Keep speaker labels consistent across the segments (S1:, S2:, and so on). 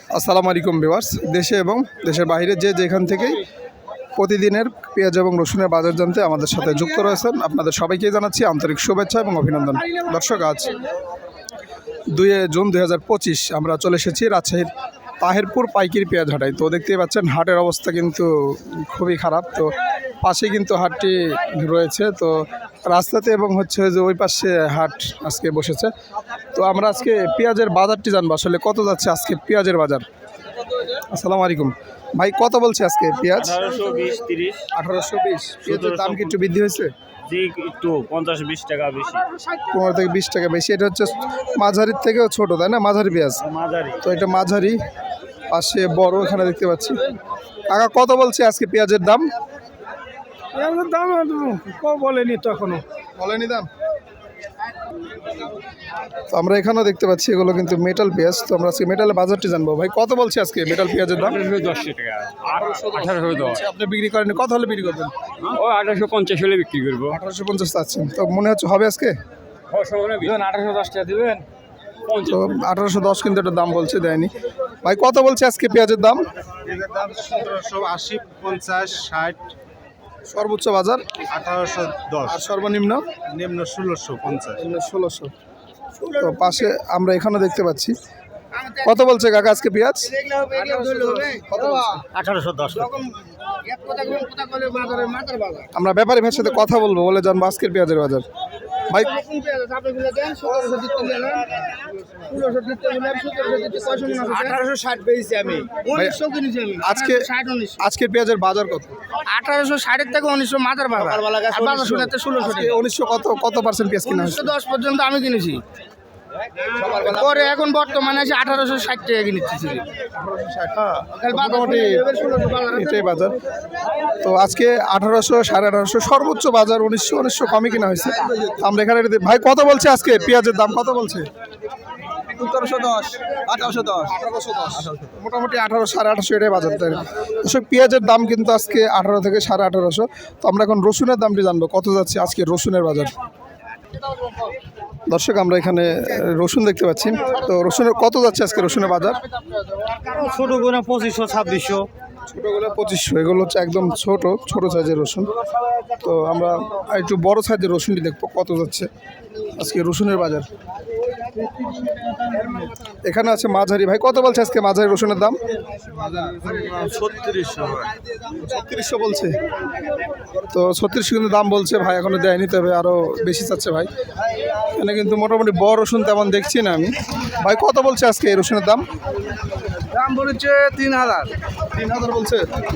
S1: আসসালামু আলাইকুম ভিউয়ার্স, দেশে এবং দেশের বাইরে যে যেখান থেকেই প্রতিদিনের পেঁয়াজ এবং রসুনের বাজার জানতে আমাদের সাথে যুক্ত রয়েছেন আপনাদের সবাইকে জানাচ্ছি আন্তরিক শুভেচ্ছা এবং অভিনন্দন। দর্শক, আজ 2 জুন 2025 আমরা চলে এসেছি রাজশাহীর তাহেরপুর পাইকারি পেঁয়াজ হাটায়। তো দেখতেই পাচ্ছেন হাটের অবস্থা কিন্তু খুবই খারাপ। তো পাশে কিন্তু হাটটি রয়েছে, তো রাস্তাতে এবং হচ্ছে যে ওই পাশে হাট আজকে বসেছে। তো আমরা আজকে পেঁয়াজের বাজারটি জানবো, আসলে কত যাচ্ছে আজকে পেঁয়াজের বাজার। আসসালামু আলাইকুম ভাই, কত বলছে আজকে পেঁয়াজ?
S2: 1820 30।
S1: 1820। পেঁয়াজের দাম কি একটু বৃদ্ধি হয়েছে?
S2: জি, একটু 50-20 টাকা বেশি।
S1: 15 থেকে 20 টাকা বেশি। এটা হচ্ছে মাঝারির থেকেও ছোট, তাই না? মাঝারি পেঁয়াজ।
S2: মাঝারি।
S1: তো এটা মাঝারি, পাশে বড় এখানে দেখতে পাচ্ছি। কাকা কত বলছে আজকে পেঁয়াজের দাম?
S3: পেঁয়াজের দাম বলেনি তো এখনো।
S1: বলেনি দাম। তো আমরা এখানেও দেখতে পাচ্ছি এগুলো কিন্তু মেটাল পেঁয়াজ। তো আমরা আজকে মেটালের বাজারটি জানবো। ভাই কত বলছে আজকে মেটাল পেঁয়াজের দাম?
S2: 1810 টাকা। 1810।
S1: আপনি বিক্রি করেন, কত হলে বিক্রি করবেন?
S2: ও 1850 হলে বিক্রি করব।
S1: 1850 চাচ্ছেন, তো মনে হচ্ছে হবে আজকে?
S2: 1810 টাকা দিবেন।
S1: তো 1810 কিন্তু একটা দাম বলছে, দেয়নি। ভাই কত বলছে আজকে পেঁয়াজের দাম?
S4: পেঁয়াজের দাম 1780, 50, 60,
S1: সর্বোচ্চ বাজার
S4: 1810,
S1: আর সর্বনিম্ন
S4: নিম্ন 1650।
S1: 1600। তো পাশে আমরা এখানেও দেখতে পাচ্ছি। কত বলছে কাকা আজকে পেঁয়াজ? কত বলছে?
S2: 1810 টাকা।
S1: আমরা ব্যাপারী ভাইয়ের সাথে কথা বলবো, বলে জানবো আজকের পেঁয়াজের বাজার। ভাই আজকে আজকের পেঁয়াজের বাজার কত?
S3: 1860 থেকে 1900 মাথার বাজার। আর বাজার শুনতে 1600 টাকা।
S1: 1900 কত পার্সেন্ট পেঁয়াজ কিনা হয়েছে?
S3: 1910 পর্যন্ত আমি কিনেছি। পরে এখন বর্তমানে আছে 1860 টাকা কিনেছি।
S1: মোটামুটি এটাই বাজার। তো আজকে 1800, 1850, সর্বোচ্চ বাজার 1900 কমই কিনা হয়েছে। আমরা এখানে ভাই কত বলছে আজকে পেঁয়াজের দাম? কত বলছে?
S4: 1710, 1810।
S1: মোটামুটি 1800, 1850 এটাই বাজার। এসব পেঁয়াজের দাম কিন্তু আজকে 18 থেকে 1850। তো আমরা এখন রসুনের দামটি জানবো, কত যাচ্ছে আজকে রসুনের বাজার। দর্শক, আমরা এখানে রসুন দেখতে পাচ্ছি। তো রসুনের কত যাচ্ছে আজকে রসুনের বাজার?
S2: ছোট করে 2500 2600।
S1: ছোটোগুলো 2500, এগুলো হচ্ছে একদম ছোট সাইজের রসুন। তো আমরা একটু বড় সাইজের রসুনটি দেখবো কত যাচ্ছে আজকে রসুনের বাজার। এখানে আছে মাঝারি। ভাই কত বলছে আজকে মাঝারি রসুনের দাম? 3600 বলছে। তো 3600 কিন্তু দাম বলছে ভাই, এখনো দেয়নি, তবে আরও বেশি চাচ্ছে ভাই। এখানে কিন্তু মোটামুটি বড় রসুন তেমন দেখছি না আমি। ভাই কত বলছে আজকে এই রসুনের দাম?
S3: দাম বলেছে 3000।
S1: 3000 বলছে।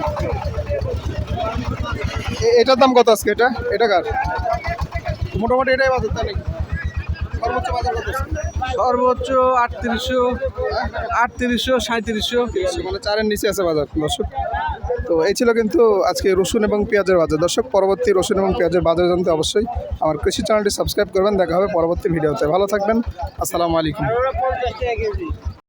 S1: এটার দাম কত আজকে? এটা কার? মোটামুটি এটাই বাজার, তাই নাকি? সর্বোচ্চ বাজার কত?
S3: সর্বোচ্চ 3800, 3700।
S1: মানে 4-এর নিচে আছে বাজার। দর্শক, তো এই ছিল কিন্তু আজকে রসুন এবং পেঁয়াজের বাজার। দর্শক, পরবর্তী রসুন এবং পেঁয়াজের বাজার জানতে অবশ্যই আমার কৃষি চ্যানেলটি সাবস্ক্রাইব করবেন। দেখা হবে পরবর্তী ভিডিওতে। ভালো থাকবেন। আসসালামু আলাইকুম।